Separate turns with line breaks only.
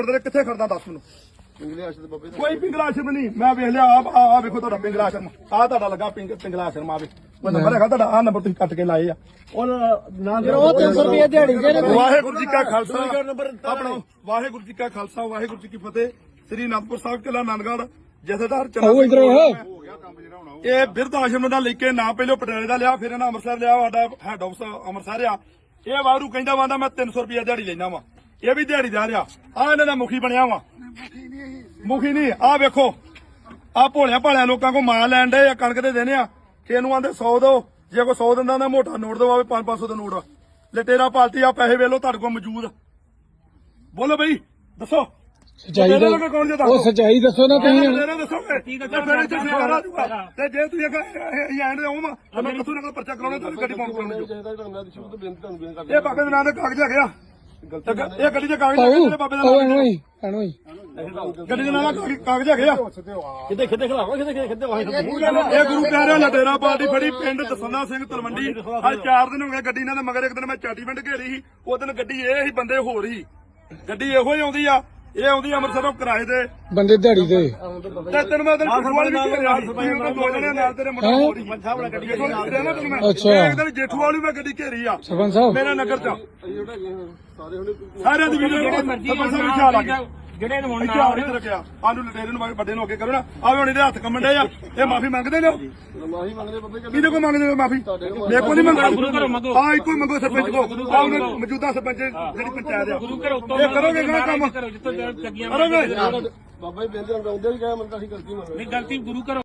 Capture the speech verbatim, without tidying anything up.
ਕਰਦੇ ਕਿੱਥੇ ਖੜਦਾ ਦੱਸ ਮੈਨੂੰ ਕੋਈ ਪਿੰਗਲਾ ਆਸ਼ਰਮ ਨਹੀਂ ਮੈਂ ਵੇਖ ਲਿਆ ਆ ਆ ਵੇਖੋ ਤੁਹਾਡਾ ਪਿੰਗਲਾ ਆਸ਼ਰਮ ਆ ਤੁਹਾਡਾ ਲੱਗਾ ਪਿੰਗ ਪਿੰਗਲਾ ਆਸ਼ਰਮ ਆਵੇ ਮੈਂ ਨੰਬਰ ਹੈਗਾ ਤੁਹਾਡਾ ਆ ਨੰਬਰ ਤੁਸੀਂ ਕੱਟ ਕੇ ਲਾਏ ਆ ਉਹ ਨਾ
ਉਹ ਤਿੰਨ ਸੌ ਰੁਪਏ ਦਿਹਾੜੀ ਦੇ
ਵਾਹਿਗੁਰੂ ਜੀ ਕਾ ਖਾਲਸਾ ਆਪਣਾ ਵਾਹਿਗੁਰੂ ਜੀ ਕਾ ਖਾਲਸਾ ਵਾਹਿਗੁਰੂ ਜੀ ਕੀ ਫਤਿਹ ਸ੍ਰੀ ਅਨੰਦਪੁਰ ਸਾਹਿਬ ਕਿਲਾ ਆਨੰਦਗੜ੍ਹ ਜਥੇਦਾਰ ਚੰਨਾ ਇਹ ਬਿਰਧ ਆਸ਼ਰਮ ਦਾ ਲੈ ਕੇ ਨਾ ਪਹਿਲੋਂ ਪਟਿਆਲੇ ਦਾ ਲਿਆ ਫਿਰ ਇਹਨਾਂ ਅੰਮ੍ਰਿਤਸਰ ਲਿਆ ਸਾਡਾ ਹੈਡ ਆਫਿਸ ਅੰਮ੍ਰਿਤਸਰ ਆ ਇਹ ਵਾਰੂ ਕਹਿੰਦਾ ਵਾਂਦਾ ਮੈਂ ਤਿੰਨ ਸੌ ਰੁਪਏ ਦਿਹਾੜੀ ਲੈਣਾ ਵਾ ਇਹ ਵੀ ਦਿਹਾੜੀ ਦਾ ਰਿਹਾ ਆ ਇਹਨਾਂ ਦਾ ਮੁਖੀ ਬਣਿਆ ਵਾ ਮੁਖੀ ਨਹੀਂ ਆ ਵੇਖੋ ਆ ਭੋਲਿਆ ਭਾਲਿਆਂ ਲੋਕਾਂ ਕੋ ਮਾਲ ਲੈਣ ਦੇ ਆ ਕਣਕ ਦੇ ਦੇਣੇ ਆ ਕਿ ਇਹਨੂੰ ਆਂਦੇ ਸੌ ਦੋ ਜੇ ਕੋਈ ਸੌ ਦਿੰਦਾ ਤਾਂ ਮੋਟਾ ਨੋਟ ਦਵਾਵੇ ਪੰਜ ਪੰਜ ਸੌ ਦਾ ਨੋਟ ਲਟੇਰਾ ਪਾਲਟੀ ਆ ਪੈਸੇ ਵੇਲੋ ਤੁਹਾਡੇ ਕੋਲ ਮੌਜੂਦ ਬੋਲੋ ਬਈ ਦੱਸੋ
ਸੱਚਾਈ ਉਹ ਸੱਚਾਈ ਦੱਸੋ ਨਾ ਤੁਸੀਂ
ਦੱਸੋਗੇ ਤੇ ਜੇ ਤੁਸੀਂ ਐਂਡ ਦੇ ਆਉਂ ਤਾਂ ਮੈਂ ਕਿਥੋਂ ਨਾਲ ਪਰਚਾ ਕਰਾਉਣਾ ਤੁਹਾਨੂੰ ਗੱਡੀ ਪਾਉਣ ਕਰਾਉਣੀ ਇਹ ਬਾਬੇ ਦੇ ਨਾਂ ਦੇ ਕਾਗਜ਼ ਹੈਗੇ ਆ ਇਹ ਗੱਡੀ ਦੇ ਕਾਗਜ਼ ਹੈਗੇ ਬਾਬੇ ਦਾ ਗੱਡੀ ਦੇ ਨਾਂ ਦੇ ਕਾਗਜ਼ ਹੈਗੇ ਆ
ਕਿਤੇ ਕਿਤੇ ਖਲਾਵਾ ਕਿਤੇ ਕਿਤੇ
ਇਹ ਗੁਰੂ ਕਹਿ ਰਿਹਾ ਲਟੇਰਾ ਪਾਰਟੀ ਫੜੀ ਪਿੰਡ ਦਸੰਨਾ ਸਿੰਘ ਤਲਵੰਡੀ ਅੱਜ ਚਾਰ ਦਿਨ ਹੋ ਗਏ ਗੱਡੀ ਨਾਲ ਮਗਰ ਇੱਕ ਦਿਨ ਮੈਂ ਚਾਟੀ ਪਿੰਡ ਘੇਰੀ ਸੀ ਉਹ ਦਿਨ ਗੱਡੀ ਇਹ ਹੀ ਬੰਦੇ ਹੋਰ ਹੀ ਗੱਡੀ ਇਹੋ ਹੀ ਆਉਂਦੀ ਆ ਇਹ ਆਉਂਦੀ ਅੰਮ੍ਰਿਤਸਰੋਂ ਕਿਰਾਏ ਦੇ
ਬੰਦੇ ਦਿਹਾੜੀ ਦੇ
ਤੇ ਤੈਨੂੰ ਮੈਂ ਦਿਨ ਫੁੱਟਬਾਲ ਵੀ ਖੇਡਿਆ ਸੀ ਦੋ ਜਣੇ ਨਾਲ ਤੇਰੇ ਮੁੰਡਾ ਹੋਰ ਹੀ ਅੱਛਾ ਇੱਕ ਦਿਨ ਜੇਠੂ ਵਾਲੀ ਮੈਂ ਗੱਡੀ ਘੇਰੀ ਆ
ਸਰਪੰਚ ਸਾਹਿਬ
ਮੇਰੇ ਨਗਰ ਚ ਸਾਰਿਆਂ ਦੀ ਵੀਡੀਓ ਸਰਪੰਚ ਸਾਹਿਬ ਖਿਆਲ ਆ ਗਿਆ
ਜਿਹੜੇ ਹੁਣ
ਇੱਥੇ ਆ ਨਹੀਂ ਰੱਖਿਆ ਆਲੂ ਲਟੇਰੇ ਨੂੰ ਵੱਡੇ ਨੂੰ ਅੱਗੇ ਕਰੋ ਨਾ ਆਵੇ ਹੁਣ ਇਹਦੇ ਹੱਥ ਕੰਮਣ ਡੇ ਆ ਇਹ ਮਾਫੀ ਮੰਗਦੇ ਨੇ ਮਾਫੀ ਮੰਗਦੇ ਬੱਬੇ ਕਿਹਦੇ ਕੋ ਮੰਗਦੇ ਮਾਫੀ ਮੇਰੇ ਕੋ ਨਹੀਂ ਮੰਗਦੇ ਹਾਂ ਇੱਕੋ ਹੀ ਮੰਗੋ ਸਰਪੰਚ ਕੋ ਆਹ ਮੌਜੂਦਾ ਸਰਪੰਚ ਜਿਹੜੀ ਪੰਚਾਇਤ ਆ ਇਹ ਕਰੋਗੇ ਕਿਹੜਾ ਕੰਮ ਕਰੋਗੇ
ਬਾਬਾ ਜੀ ਬੇਨਤੀ ਆਉਂਦੇ ਵੀ ਗਏ ਮੰਨ ਤਾਂ ਅਸੀਂ ਗਲਤੀ ਮੰਨ
ਨਹੀਂ ਗਲਤੀ ਗੁਰੂ ਘਰ